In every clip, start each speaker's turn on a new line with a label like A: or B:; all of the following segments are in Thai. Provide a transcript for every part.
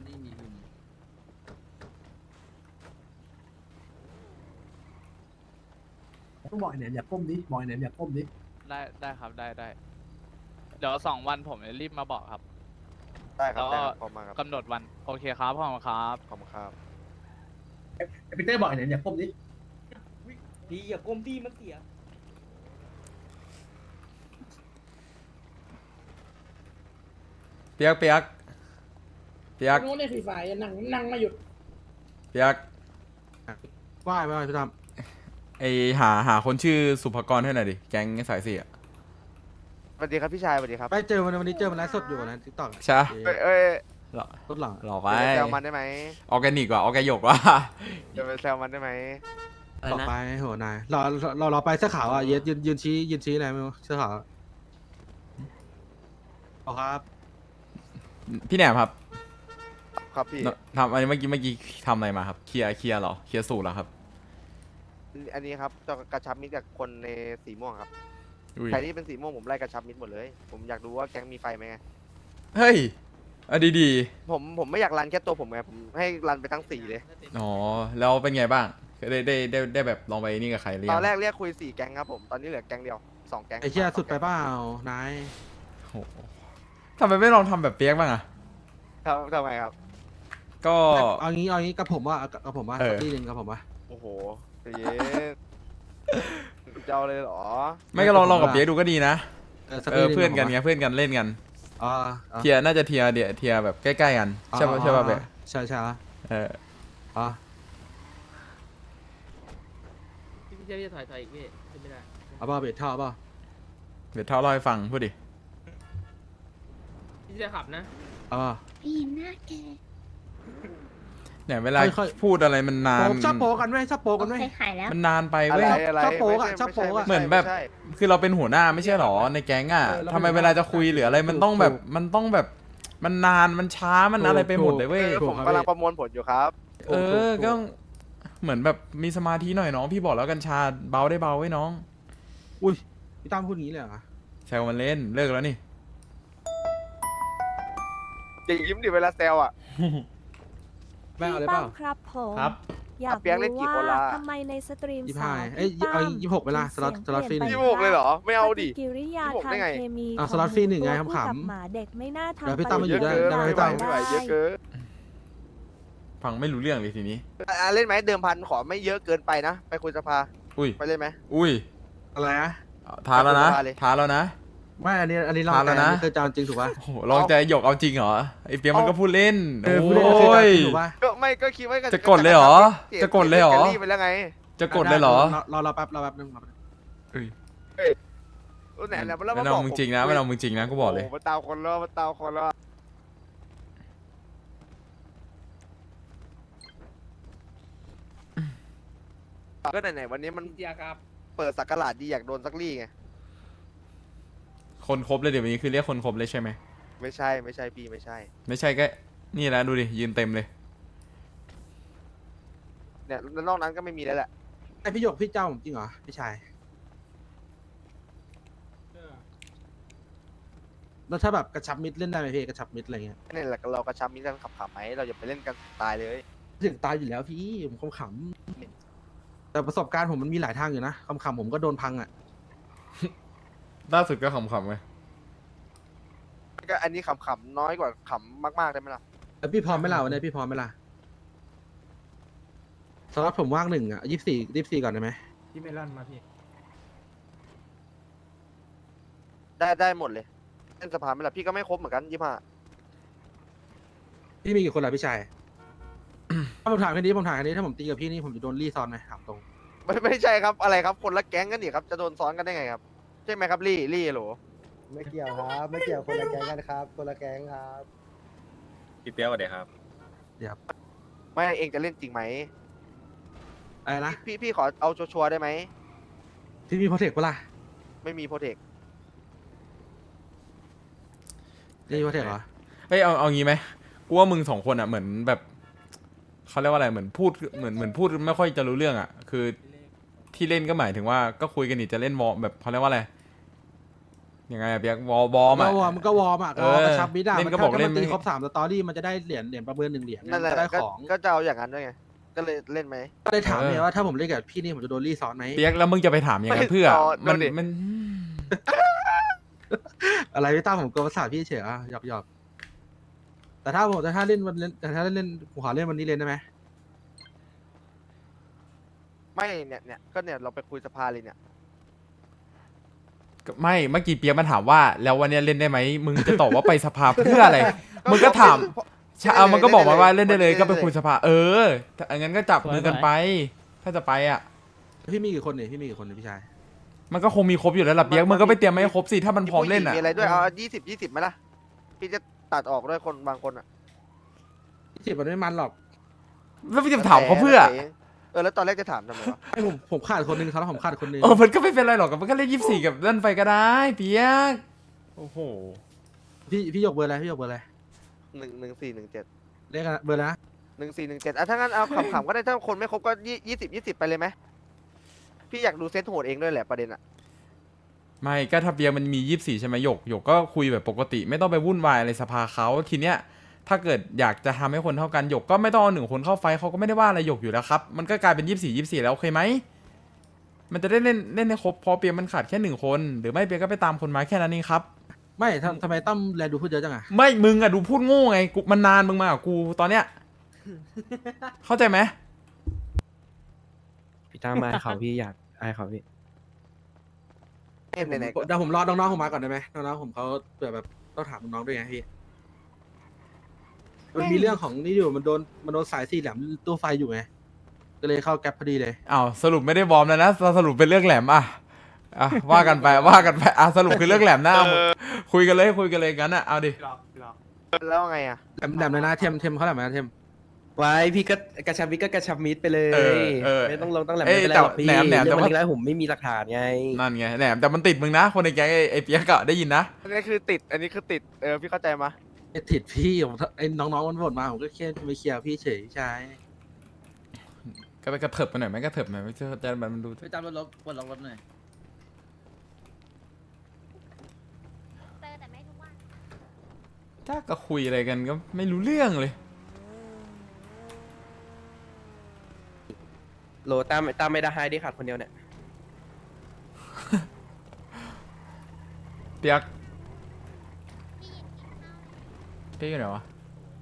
A: ต้องบอกไอ้เนี่ยอย่าก้มดิบอกไอ้เนี่ยอย่าก้มดิ
B: ได้ครับได้เดี๋ยว2 วันผมจะรีบมาบอกครับ
C: ได้ครับ
B: แล้ว
C: ได้
B: ก็
C: ครับพร้อมมาครับ
B: กำหนดวันโอเคครับพ่อครับ
C: ขอบคุณครับ
A: ไอ้ปีเตอร์บอกไอ้เนี่ยอย่าก้มดิ
D: ดีอย่าก้มดีมันเสีย
E: เปียก
D: โน้นในฝีฝ่ายนั่งมาหยุด
E: เปียก
F: ว่ายพี่ตั้ม
E: ไอหาคนชื่อสุภกรให้หน่อยดิแก๊งสายสี่อะ
C: สวัสดีครับพี่ชายสวัสดีครับ
F: ไปเจอวันนี้เจอมันไลฟ์สดอยู่นะทิกตอก
E: ใช่ปะ
C: เอ้ย
E: หรอ
F: รถหลัง
E: หรอไป
C: เดี๋ยวไปแซวมันได้ไหม
E: ออร์แกนิกว่ะออร์แกยกว่ะ
C: เดี๋ยวไปแซวมันได้ไหม
F: ต่อไปโหนายเราไปเสื้อขาวอ่ะยืนชี้อะไรไม่รู้เสื้อขาวเอาครับ
E: พี่แหนมครับ
C: ครับพี่
E: ทำอันนี้เมื่อกี้ทำอะไรมาครับเคลียร์เหรอเคลียร์สูตรเหรอครับ
C: อันนี้ครับจะกระชับมิตรกับคนในสีม่วงครับ
E: อุ้ย
C: ใครที่เป็นสีม่วงผมไล่กระชับมิตรหมดเลย ผมอยากดูว่าแก๊งมีไฟไหมไง
E: เฮ้ยอ่ะดี
C: ผมไม่อยากรันแค่ตัวผมไงผมให้รันไปทั้งสีเลย
E: ๆอ๋อแล้วเป็นไงบ้างได้แบบลองไปนี่กับใครหรือ
C: ต
E: ยั
C: อง นแรกเรียกคุย4 แก๊งครับผมตอนนี้เหลือแก๊งเดียว2 แก๊ง
F: ไอ้เชี่ยสุดไปเปล่านาย
E: โหทำไมไม่ลองทำแบบเปียกบ้างอะ
C: ครับทำไมครับ
E: ก็
F: เอางี้กับผมว่าสักทีหนึ่งกับผมว่า
C: โอ้โหใจเย็นจะเอาเลยเหรอ
E: ไม่ก็ลองกับเปียกดูก็ดีนะ
F: สักทีหง
E: เพื่อนกันไงเพื่อนกันเล่นกัน
F: อ๋อ
E: เทียร์น่าจะเทียร์แบบใกล้ๆกันใช่ป่ะเปียก
F: ใช่
E: เออ
F: อ๋อ
D: พี่เจะถอยอีกพี่ขึ้นไม่ได้
F: เอาเปล่าเบทเท่าเปล่า
E: เดี๋ยวเท่าเล่าให้ฟังพูดดิ
D: พี่จะขับนะ
F: เอาเปล่า
G: พี่หน้าแก
E: เนี่ยเวลา
F: ค่อยๆ
E: พูดอะไรมันนาน
F: ชอบโปกันไหมชอบโปกันไหม
G: โอเคหายแล้ว
E: มันนานไป
C: อะ
E: เว้
C: ไร
E: ย
C: อะไร
F: ชอบโป๊กอะ
C: ไม่ใ
F: ชอบโป๊กอะ
E: เหมือนแบบ
C: ไใช่
E: คือเราเป็นหัวหน้าไม่ใช่หรอในแก๊งอ่ะ
F: แล้ว
E: ทำไมเวลาจะคุยหรืออะไรมันต้องแบบมันนานมันช้ามันอะไรไปหมดเลยเว้ย
C: เออผมกำลังประมวลผลอยู่ครับ
E: เออก็ต้องเหมือนแบบมีสมาธิหน่อยน้องพี่บอกแล้วกัญชาเบาได้เบาไว้น้อง
F: อุ้ยพี่ตั้มพูดงี้เลยเหรอ
E: แซวมันเล่นเลิกแล้วนี่
C: อย่ายิ้มดิเวลาแซวอ่ะ
F: แม่เอาเลย
H: พี่
F: เป
H: ตั้
F: ล่าม
H: ครับผม
E: ครับ
H: อยาก
C: เปียกเล่นกี่
H: รู้
C: คนละ
H: ว่าทำไมในสตรีม
F: 25
H: สาว
F: เอ้ย
H: พี่
F: เอา
H: ตั้ม
F: 26เวลาสล็อต
H: เสียง
F: ฟรี
H: เป
F: หนึ่
H: ลี่
F: ง
H: ยนไป
C: 26เลยเหรอไม่เอาดิ
H: ปฏิกิริยา
C: 26
H: ทาง
C: ได้ไง
H: เคมี
F: อ่ะ
H: ของ
F: สล็อตฟรีหนึ่งไง
H: ตัวผู้
F: ขำๆ
H: กับหมาเด็กไม่น่าทำ
F: เดี๋ยวพี่ตั้มมาอยู่
C: เยอะ
F: ได้
C: เกิน
F: ได้
C: ไม่ไหวไม่ไหวเยอะเกิน
E: ฟังไม่รู้เรื่องเลยทีนี้
C: เล่นไหมเดิมพันขอไม่เยอะเกินไปนะ ไปคุยสภา
E: อุ้ย
C: ไปเล่นไหม
E: อุ้ย
F: อะไรนะ
E: ท้าแล้วนะ
C: มาเลย
E: ท้าแล้วนะ
F: ไม่อันนี้เรา
E: ทานแล้วนะ
F: คือจานจริงถูกป่ะ
E: โอ้โหลองใจหยกเอาจริงเหรอไอเปียกมันก็พูดเล่น
F: พูดเล่นคือ
E: โอ้
F: จาน
E: ย
F: จริงถูกป่ะ
C: ก็ไม่ก็คิดว่า
E: จะกดเลยเหรอจะกดเลยเหรอ
C: แกลี่ไปแล้วไง
E: จะกดเลยเหรอ
F: เราแป๊บนึง
E: เอ้ย
C: ไหนแล้วแล้ว
E: ไม่เอามึงจริงนะไม่เอามึงจริงนะกูบอกเลย
C: โมาตามคนแล้วมาตามคนแล้วก็ไหนๆวันนี้มัน
D: เสียครับ
C: เปิดสักกะหลาดดีอยากโดนสักลี่ไง
E: คนครบเลยเดี๋ยววันนี้คือเรียกคนครบเลยใช่ไหม
C: ไม่ใช่ไม่ใช่พี่ไม่ใช่
E: ไม่ใช่ก็นี่แหละดูดิยืนเต็มเลย
C: เนี่ยแล้วนอกนั้นก็ไม่มีแล้วแหละ
F: ไอพี่หยกพี่เจ้าผมจริงเหรอพี่ชายแล้วถ้าแบบกระชับมิดเล่นได้ไหมพี่กระชับมิดอะไรเงี้ย
C: นี่แหละเรากระชับมิตรกันขับๆไหมเราอย่าไปเล่นกันตายเลย
F: ถึงตายอยู่แล้วพี่ผมขำๆแต่ประสบการณ์ผมมันมีหลายทางอยู่นะขำๆผมก็โดนพังอ่ะ
E: ล่าสุดก็ขำๆไง
C: ก็อันนี้ขำๆน้อยกว่าขำมากๆได้ไหมล่ะ
F: แล้วพี่พร้อมไหมล่ะวันนี้พี่พร้อมไหมล่ะสำหรับผมว่าง1 อ่ะ24ก่อนได้ไหม
D: พี่เมลอนมาพี่
C: ได้หมดเลยเล่นสภาไหมล่ะพี่ก็ไม่ครบเหมือนกัน25
F: พี่มีกี่คนล่ะพี่ชาย ถ้าผมถามแค่นี้ถ้าผมตีกับพี่นี่ผมจะโดนรีซอนไหมถามตรง
C: ไม่ใช่ครับอะไรครับคนละแก๊งกันนี่ครับจะโดนซ้อนกันได้ไงครับใช่ไหมครับลี่โหล
I: ไม่เกี่ยวครับ ไม่เกี่ยวคนละแก๊งกันครับ คนละแก๊งครับ
J: พี่เปี๊ยกสวัสดีครับ
C: ไม่เองจะเล่นจริงไหม
F: อะไรนะ
C: พี่ขอเอาชัวร์ๆได้ไหม
F: พี่มีโปรเทคปะล่ะ
C: ไม่มีโปรเทค
F: นี่มีโปรเทคเหรอ
E: เฮ้ยเอางี้ไหมกูว่ามึง2 คนอ่ะเหมือนแบบเขาเรียกว่าอะไรเหมือนพูดเหมือนพูดไม่ค่อยจะรู้เรื่องอ่ะคือที่เล่นก็หมายถึงว่าก็คุยกันนี่จะเล่นวอลแบบเขาเรียกว่าอะไรยังไงอะเปียกวอร์มอะ
F: ก็วอร์มมันก็วอร์มอ่ะ
E: เออ
F: กระชับมิดอ่ะ
E: เล่น
F: มัน
E: ก็บอก
F: ถ้า
E: เล่
F: มัน นตี
E: ไม่
F: ครบ3 สตอรี่มันจะได้เหรียญประเมิน1 เหรียญ
C: นั่นแหละ
F: จะได้
C: ก็
F: ของ
C: ก็จะเอาอย่างนั้นด้วยไงก็เลยเล่นไหม
F: ก็เลยถามเนี่ยว่าถ้าผมเล่นกับพี่นี่ผมจะโดนรีซ้อนไหม
E: เปียกแล้วมึงจะไปถามอย่างนั้นเพื่อ
C: ไม่ต่อ
E: มัน
C: ดูดิ
E: มัน
F: อะไรพี่ตั้มผมกลัวภาษาพี่เฉยอ่ะหยอกแต่ถ้าผมเล่นวันเล่นแต่ถ้าเล่นผมขอเล่นวันนี้เล่นได้ไหม
C: ไม่เนี่ยก็เนี่ยเราไปคุยสภาเลยเนี่ย
E: ไม่เมื่อกี้เปียกมาถามว่า แล้ววันเนี้ยเล่นได้ไหมมึงจะตอบว่าไปสภาเพื่ออะไร มึงก็ถามใช่เอามันก็บอกมาว่าเล่นได้เลยก็ไปคุยสภาถ้างั้นก็จับมือกันไป ถ้าจะไปอ่ะ
F: พี่มีกี่คนเนี่ยพี่มีกี่คนเนี่ยพี่ชาย
E: มันก็คงมีครบอยู่แล้วล่ะเปียกมึงก็ไปเตรียมมาให้ครบสิถ้ามันพร้อมเล่นอ่ะ
C: มีอะไรด้วยเอา20ไหมล่ะพี่จะตัดออกด้วยคนบางคนอ่ะ
F: 20มันไม่มันหรอก
E: แล้วพี่จะถามเขาเพื่อ
C: แล้วตอนแรกจะถามทำไมวะ
F: ไอ้ผมขาดคนนึงครับแล้วผมขาดคนนึง
E: มันก็ไม่เป็นไรหรอกมันก็เล่น24กับนั่นไปก็ได้เปียกโอ้โห
F: พี่ยกเบอร์อะไรพี่ยกเบอร์อะไร
C: 1417
F: เลขเบอร์อะไรนะ
C: 1417ถ้างั้นเอาขำๆก็ได้ถ้าคนไม่ครบก็20ไปเลยไหมพี่อยากดูเซตโหดเองด้วยแหละประเด็นอ่ะ
E: ไม่ก็ถ้าเปียกมันมี24ใช่ไหมหยกก็คุยแบบปกติ ไม่ต้องไปวุ่นวายอะไรสภาเขาทีเนี้ยถ้าเกิดอยากจะทำให้คนเท่ากันหยกก็ไม่ต้องเอา1 คนเข้าไฟเขาก็ไม่ได้ว่าอะไรหยกอยู่แล้วครับมันก็กลายเป็น24แล้วโอเคไหมมันจะได้เล่นให้ครบพอเปียกมันขาดแค่1 คนหรือไม่เปียกก็ไปตามคนมาแค่นั้นเองครับ
F: ไม่ทำไมตั้มแลดูพูดเยอะจังอะ
E: ไม่มึงอะดูพูดโง่ไงกูมันนานมึงมากับกูตอนเนี้ยเข้าใจไหม
G: พี่ตั้มอายเขาพี่อยากอายเขาพี่
C: ไหนๆก็
F: เดี๋ยวผมรอน้องๆผมมาก่อนได้ไหมน้องๆผมเขาเผื่อแบบต้องถามน้องๆด้วยไงพี่มันมีเรื่องของนี่อยู่มันโดนสาย4 แหลมตู้ไฟอยู่ไงก็เลยเข้าแก๊ปพอดีเลย
E: อ้าวสรุปไม่ได้บอมแล้วนะสรุปเป็นเรื่องแหลมอ่ะว่ากันไปสรุปคือเรื่องแหลมนะเอาคุยกันเลยกันอะเอาดิ
C: แล้วไงอ่ะ
F: แหลมเลยนะเทมเขาแหลมนะเทม
G: ไว้พี่ก็กระชับมิดก็กระชับมิดไปเลย ไม่ต้องลงต้องแหลม
E: เอ้ย
G: ไม่เป็นไรหรอกพี่
E: แต่แหนมแต่
G: เรื่อง
E: ว่า
G: วันนี้แล้วผมไม่มีหลักฐานไง
E: นั่นไงแหลมแต่มันติดมึงนะคนในแก๊งไอ้เปียกอะได้ยินนะ
C: อันนี้คือติดพี่เข้าใจมา
F: ไอ้ติดพี่ผมไอ้น้องๆมันบ่นมาผมก็แค่ไปเคลียร์พี่เฉยใช่
E: ก็ไปกระเถิบไปหน่อยไหมกระเถิบหน่อยไม่ใช่จะมันดู
B: ไปตามรถปลดล็อกรถหน่อย
H: แต่ไม่ทุกวัน
E: ถ้าก็คุยอะไรกันก็ไม่รู้เรื่องเลย
G: โหลตามไม่ได้ให้ได้ขาดคนเดียวเนี่ย
E: เปียกเปียกอยู่ไหนวะ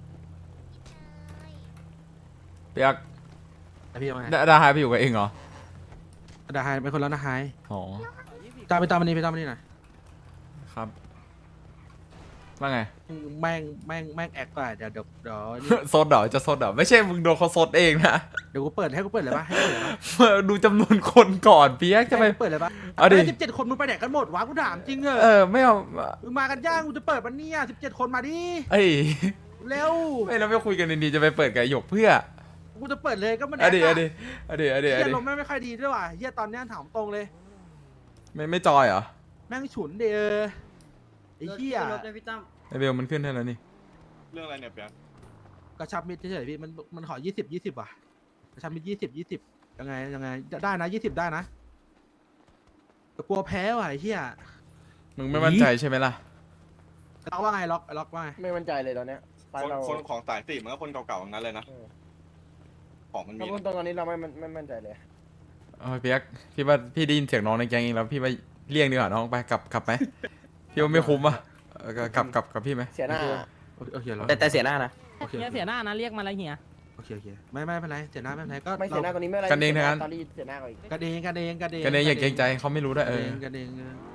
E: เปียก
F: แต่พี่เอาไง
E: ดาหายไปอยู่กับเองเหรอ
F: ดาไฮเป็นคนแล้วนะไฮ
E: อ๋อ
F: ตามมันนี่หน่อย
E: ครับว่าไง
F: แม่งแอคก่อนเดี๋ยวนี่
E: ซดเหรอจะซดเหรอไม่ใช่มึงโดนเขาซดเองนะ
F: เดี๋ยวกูเปิดให้กูเปิดเลยปะให้กูเปิดเลยปะ
E: ดูจำนวนคนก่อนเปียกจะไป
F: ให้กูเปิดเลยปะ
E: เอาดิ
F: 17 คนมึงไปไหนกันหมดวะกูถามจริงเหร
E: เอ
F: อ
E: อไม่เอา
F: มึงมากันย่างกูจะเปิดมันเนี่ย17 คนมาดิ
E: เอ้ย
F: เร็ว
E: ไม่เราไม่คุยกันดีๆจะไปเปิดกับหยกเพื่อ
F: กูจะเปิดเลยก็มัน
E: อะดี
F: แอ
E: อะ
F: ค
E: ดี
F: อะ
E: อะดีอะดี
F: เฮี
E: อะ
F: ย
E: ดี
F: ลมไม่ค่อยดีด้วยว่ะเฮียตอนเนี้ยถามตรงเลย
E: ไม่จอยเหรอ
F: แม่งฉุนเด้อไอ้เฮีย
E: ไอเบลมันขึ้นให้แล้วนี่
J: เรื่องอะไรเนี่ยเปียก
F: กระชับมิดเฉยๆพี่มันขอ20 ว่ะกระชับมิด20ยังไงได้นะ20ได้นะแต่กลัวแพ้ว่ะไอ้เฮีย
E: มึงไม่มั่นใจใช่ไหมล่ะ
F: ล็อกว่าไงล็อกว่าไง
D: ไม่มั่นใจเลยตอนเนี้ยไปเรา
J: คนของสายสี่มันก็คนเก่าๆทั้งนั้นเลยนะ ของมันมี
D: ถ้าพูด
J: นะ
D: ตอนนี้เราไม่มั่นใจเลย
E: โอ้ยเปียกพี่ว่าพี่ได้ยินเสียงน้องในแก๊งเองแล้วพี่ว่าเลี่ยงดีกว่าน้องไปกลับไหมพี่ว่าไม่คุ้มอ่ะกลับกับพี่ไหม
D: เสียหน้า
F: โอเคแล้ว
G: แต่เสียหน้านะ
F: โอเค
B: เสียหน้านะเรียกมาแล้วเฮีย
F: โอเคไม่เป็นไรเสียหน้าไม่เป็นไรก็
D: ไม่เสียหน้าตอนนี้ไม่อะไร
E: กันเองทั้งนั้น
D: ตอนนี้เสียหน้ากว่าอีก
F: กันเอง
E: กันเองอย่าเกรงใจเขาไม่รู้ด้วย
F: กันเอง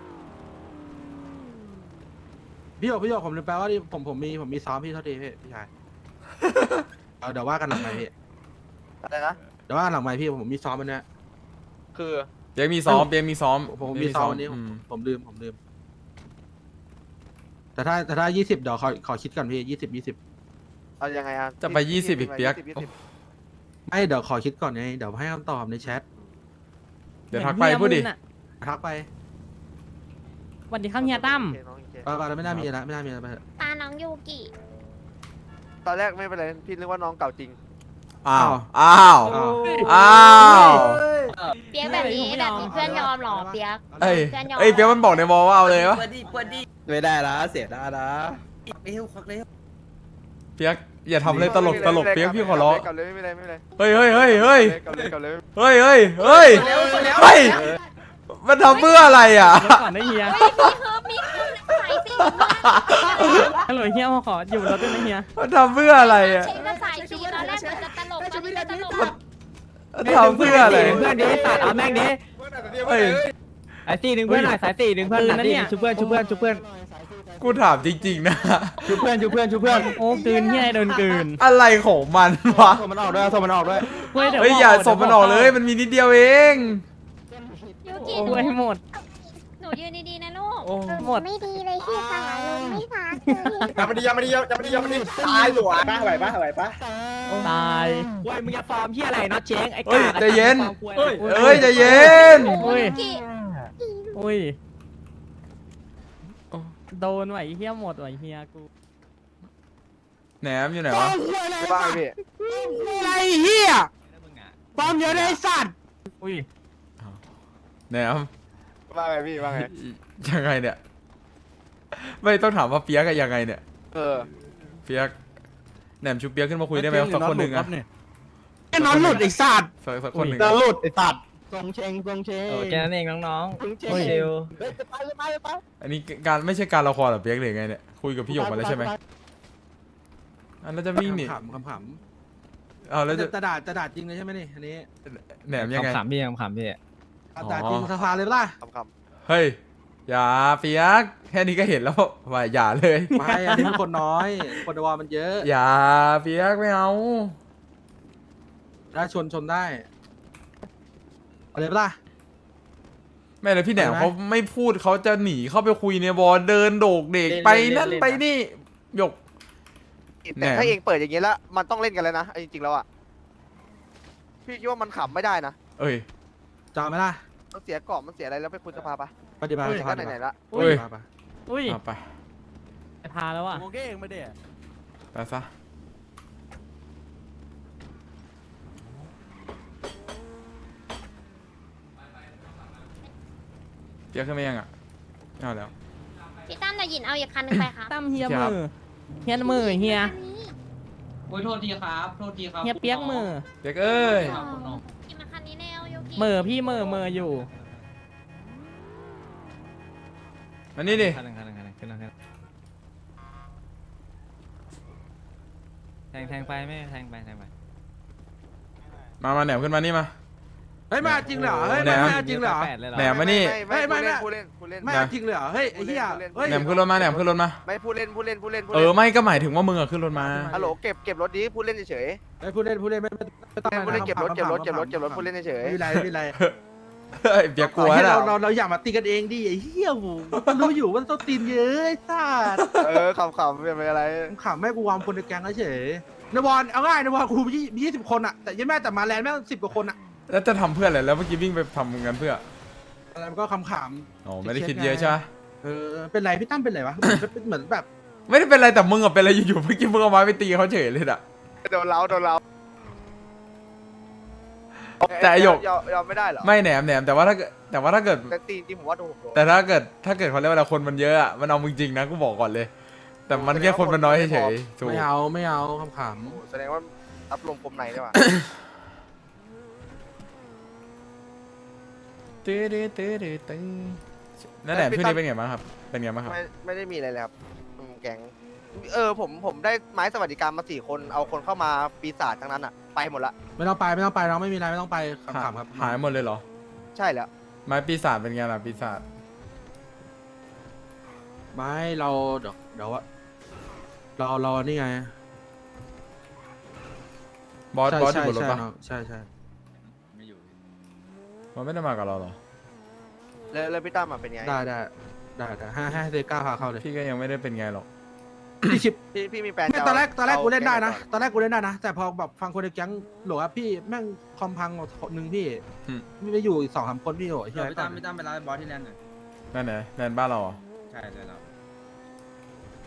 F: พี่หยกผมลืมแปลว่าที่ผมมีซ้อมพี่เท่าทีพี่ชายเดี๋ยวว่ากันหลังไมค์พี่
C: อะไรนะ
F: เดี๋ยวว่าหลังไมค์พี่ผมมีซ้อมมันเนี้ย
C: คือ
E: เปียกมีซ้อมเปียกมีซ้อม
F: ผมมีซ้อมวันนี้ผมลืมแต่ถ้า20เดี๋ยวขอคิดก่อนพี่20
C: เอายังไงอ่ะ
E: จะไป20อีกเปียก
F: ไม่เดี๋ยวขอคิดก่อนไงเดี๋ยวให้คำตอบในแชท
E: เดี๋ยวทักไปพูดดิ
F: ทักไป
B: สวัสดีครับเฮียตั้ม
F: ไปไม่น่ามีอะไรไปเถอะ
H: ตาน้องยูกิ
C: ตอนแรกไม่เป็นไรพี่นึกว่าน้องเก่าจริง
E: อ้าว
F: อ้าว
H: เปียกแบบนี้เพื่อนยอมหรอเปียก
E: เอ้ย
H: เพื่อนยอม
E: เอ้ยเปียกมันบอกในวอลว่าเอาเลยวะ
G: ไม่ได้นะเสียดายนะเร็วควักเร็ว
E: เปียกอย่าทำเลยตลกเปียกพี่ขอร้อง
C: กลับเลยไม่เป็นไรไม่เป็นไร
E: เฮ้ยเฮ้ยเฮ้ยเฮ้ย
C: กลับเลยกลับเลย
E: เฮ้ยเฮ้ยเฮ้ยเฮ้ยมันทำเพื่ออะไรอ่ะ
B: ก่อนได้เฮีย
H: เฮ้ยมีคือสายสี
B: ฮัลโหลเฮียมาขออยู่รถด้วยนะเฮีย
E: มันทำเพื่ออะไรอ่ะ
H: เช็คก็สายสีตอนแรกมันจะตลกตอนนี้จะตลก
E: มันทำเพื่ออะไร
B: เพื่อนดิสัตว์เอาแม่งดิ
E: เฮ้ย
B: สายสี่ดึงเพื่อนหน่อยสายสี่ดึงเพื่อนนะเนี่ยชุบเพื่อนชุบเพื่อนชุบเพื่อน
E: กูถามจริงๆนะ
B: ชุบเพื่อนชุบเพื่อนชุบเพื่อนโอ้กลืนเฮียโดนกลืน
E: อะไรของมันวะ
F: ส่งมันออกด้วยส่งมันออกด้วย
B: เฮ้ยเดี๋ยว
E: เฮ้ยอย่าส่งมันออกเลยมันมีนิดเดียวเอง
H: ยูกิ
B: โอ้ยหมด
H: หนูยืนดีๆนะลูก
E: โอ้
B: หมด
H: ไม่ดีเลยที่ขาลงไม่พักเลย
J: ยังไม่ดียังไม่ดียังไม่ดียังไม่ดีตายหลวง
I: ไหวปะไหวปะ
B: ตาย
K: เว้ยมึงจะฟาร์มที่อะไรน็อตเช้งไอ้
E: เฮ้ย
K: กา
E: ใจเย็น
K: เฮ้ย
E: เฮ้ยใจเย็น
B: อุ้ย
H: ยูกิ
B: อุ้ยโดนไหวเฮียหมดไหวเฮียกู
E: แหนมอยู่ไหนวะ
C: ไม่บ้างพี่
K: ไอ้เหี้ยฟาร์มเยอะเลยไอ้สัตว์
B: อุ้ย
E: แหนม
C: ว่าไงพี่ว่าไง
E: ยังไงเนี่ย ไม่ต้องถามว่าเปียกอะยังไงเนี่ย เปียกแหนมชูเปียกขึ้นมาคุยได้ไหมสักคนหนึ่งอะ
K: ไอ้นอนหลุดไอ้สัตว์
E: สักคนหนึ่ง
K: นอนหลุดไอ้สัตว์
G: ทรงเชงทรงเชง
B: โอ้แค่นั้นเองน้อง
G: ทรงเชง
B: ๆ
G: เร็ว
E: อันนี้การไม่ใช่การละครเหรอเปียกหรือไงเนี่ยคุยกับพี่หยกมาแล้วใช่ไหมอันนั้นจะวิ่งหนี
F: ขำขำ
E: เอาแล้วจะ
F: จะด่าจริงเลยใช่ไหมนี่อันนี้
E: แหนมยังไง
B: ขำพี่ขำพี่
F: ด่าจริงสภาเลยปะล่ะ
C: คำ
E: เฮ้ยอย่าเปียกแค่นี้ก็เห็นแล้วว่าอย่าเลย
F: ไม่อันนี้มันคนน้อยคนในวอลมันเยอะ
E: อย่าเปียกไม่เอา
F: ได้ชนได้เอาเลยปะล่ะ
E: ไม่เลยพี่แหนม
F: ไปไหม
E: เขาไม่พูดเขาจะหนีเข้าไปคุยในวอลเดินโดกเด็กไปนั่นไปนี่หยก
C: ๆแต่ถ้าเองเปิดอย่างนี้แล้วมันต้องเล่นกันแล้วนะจริงๆแล้วอ่ะพี่คิดว่ามันขำไม่ได้นะ
E: เอ้ย
F: จำไหมล่ะ
C: มันเสียกรอบมันเสียอะไรแล้วไปคุณสภาปะ
F: ปฏิบัติ
C: เฮ้ย
F: ส
C: ก็
F: ภา
C: ไหนๆละ
E: เอ้ย
B: อุ้ย
E: เอาไป
B: ไปพาแล้วอ่ะ
G: โอเคเองไม่ได้
E: ไปซะเปียกขึ้นมายังอ่ะไม่เอาแล้ว
H: พี่ตั้มจะหยินเอาอีกคันหนึงไปครับ
B: ตั้มเฮีย
E: ครับ
B: มือเฮียมือเฮีย
K: โอ้ยโทษทีครับโทษทีครับ
B: เฮียเปียกมือ
E: เปียกเอ้ย
H: กินมาคันนี้แนวยูกิ
B: มือพี่มืออยู่
E: มานี่ดิ
B: คันหนึ่งขึ้นแล้วแทงไปไม่แทงไป
E: มาแหนมขึ้นมานี่มา
F: เฮ้ยมาจริงเหรอเฮ้ย
E: แหนม
F: มาจริงเหรอ
E: แหนมมานี่
C: ไม่ผู้เล่นผู้เล่น
F: ไม่จริงเลยเหรอเฮ้ยไอ้เหี้ยเฮ้ย
E: แหนมขึ้นรถมาแหนมขึ้นรถมา
C: ไม่ผู้เล่น
E: เออไม่ก็หมายถึงว่ามึงอะขึ้นรถมา
C: ฮัลโหลเก็บรถดีผู้เล่นเฉย
F: ไอ้ผู้เล่นไม่ต้อง
C: ผู้เล่นเก็บรถผู้เล่นเฉย
F: ไม่เป็นไร
E: เฮ้ยเปียกกลัว
F: ให้
E: แล้ว
F: เราอยากมาตีกันเองดิไอ้เหี้ยโหรู้อยู่ว่าต้องตีนเยอะไอ้สัส
C: ขำเป็นอะไร
F: ขำแม่กูวางคนในแก๊งเฉยในบอลเอาง่ายในบอลกูมี20 คนอะแต่ยังแม่แต่มาแลนด์แม่ง10 กว่าคนอะ
E: แล้วจะทำเพื่ออะไรแล้วเมื่อกี้วิ่งไปทำกันเพื่อ
F: อะไรมันก็ขำ
E: อ๋อไม่ได้คิดเยอะใช่ปะ
F: เป็นไรพี่ตั้มเป็นไรวะเหมือนแบบ
E: ไม่ได้เป็นไรแต่มึงอะเป็นอะไรอยู่ๆเมื่อกี้มึงเอาไม้ไปตีเขาเฉยเลยอะ
C: โดนเรา
E: แต่ไอ้หยก
C: ยอมไม่ได้เหรอ
E: ไม่แหนมแต่ว่าถ้าเกิด
C: แต่ตีจริงผมว่าโดน
E: แต่ถ้าเกิดเขาเรียกว่าคนมันเยอะอะมันเอามึงจริงนะกูบอกก่อนเลย แต่มันแค่คนมันน้อยเฉยๆถูก
F: ไม่เอาขำ
C: แสดงว่ารับลมคมในได้ป่ะ
E: ตื้อนั่นแหละช่วงนี้เป็นไงบ้างครับเป็นไงบ้างครับ
C: ไม่ได้มีอะไรเลยครับแก๊งผมได้ไม้สวัสดิการมา4 คนเอาคนเข้ามาปีศาจทั้งนั้นอ่ะไปหมดละ
F: ไม่ต้องไปน้องไม่มีอะไรไม่ต้องไปขำครับ
E: หายหมดเลยเหรอ
C: ใช่แล้ว
E: ไม้ปีศาจเป็นไงล่ะปีศาจ
F: ไม่เราเดี๋ยวว่าเรานี่ไง
E: บอสอยู่บนรถปะ
F: ใช่
E: มันไม่ได้มากับเราเหรอ
C: แล้วพี่ตั้มเป็นไง
F: ได้ให้เซก้าพาเข้าเลย
E: พี่ก็ยังไม่ได้เป็นไงหรอก
F: พี่ชิป
C: พี่มีแฟน
F: ตอนแรกกูเล่นได้นะแต่พอแบบฟังคนในแก๊งหลวพี่แม่งคอมพังหนึ่งพี่ไม่อยู่อีก2-3 คนพี่โอ้ย
G: พี่ตั้มไปร้านบอสที่แลนด์หน่อย
E: นั่นไหนแลนบ้านเราเหรอ
G: ใช่แล้ว